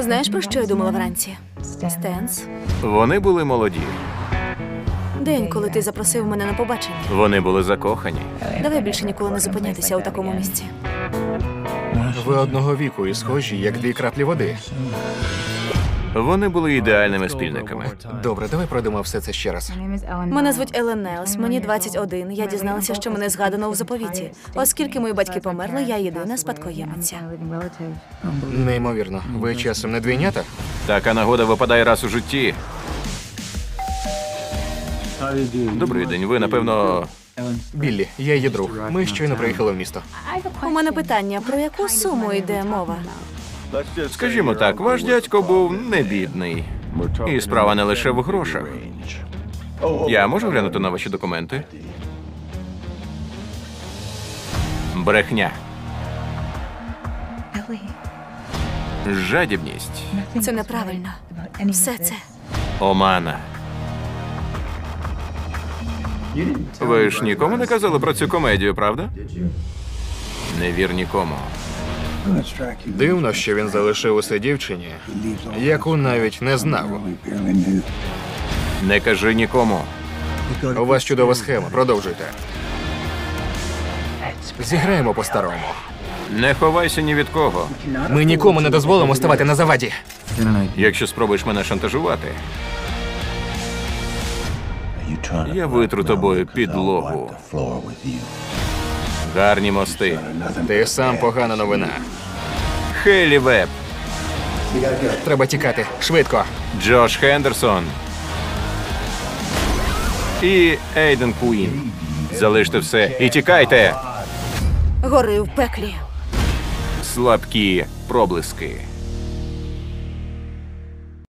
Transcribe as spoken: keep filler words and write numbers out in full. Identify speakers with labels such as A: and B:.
A: Знаєш, про що я думала вранці? Стенс.
B: Вони були молоді.
A: День, коли ти запросив мене на побачення.
B: Вони були закохані.
A: Давай більше ніколи не зупинятися у такому місці.
C: Ви одного віку і схожі, як дві краплі води.
B: Вони були ідеальними спільниками.
C: Добре, давай пройдемо все це ще раз.
A: Мене звуть Елен Нелс, мені двадцять один. Я дізналася, що мене згадано у заповіті. Оскільки мої батьки померли, я єдина спадкоємиця.
C: Неймовірно. Ви часом не двійнята?
B: Така нагода випадає раз у житті. Добрий день, ви, напевно...
C: Біллі, я її друг. Ми щойно приїхали в місто.
A: У мене питання, про яку суму йде мова?
B: Скажімо так, ваш дядько був не бідний. І справа не лише в грошах. Я можу глянути на ваші документи? Брехня. Жадібність.
A: Це неправильно. Все це.
B: Омана. Ви ж нікому не казали про цю комедію, правда? Не вір нікому.
C: Дивно, що він залишив усе дівчині, яку навіть не знав.
B: Не кажи нікому.
C: У вас чудова схема, продовжуйте. Зіграємо по-старому.
B: Не ховайся ні від кого.
C: Ми нікому не дозволимо ставати на заваді.
B: Якщо спробуєш мене шантажувати, я витру тобою підлогу. Гарні мости.
C: Ти сам погана новина.
B: Хейлі Веб,
C: Треба тікати. Швидко.
B: Джош Хендерсон і Ейден Куін. Залиште все і тікайте.
A: Гори в пеклі.
B: Слабкі проблиски.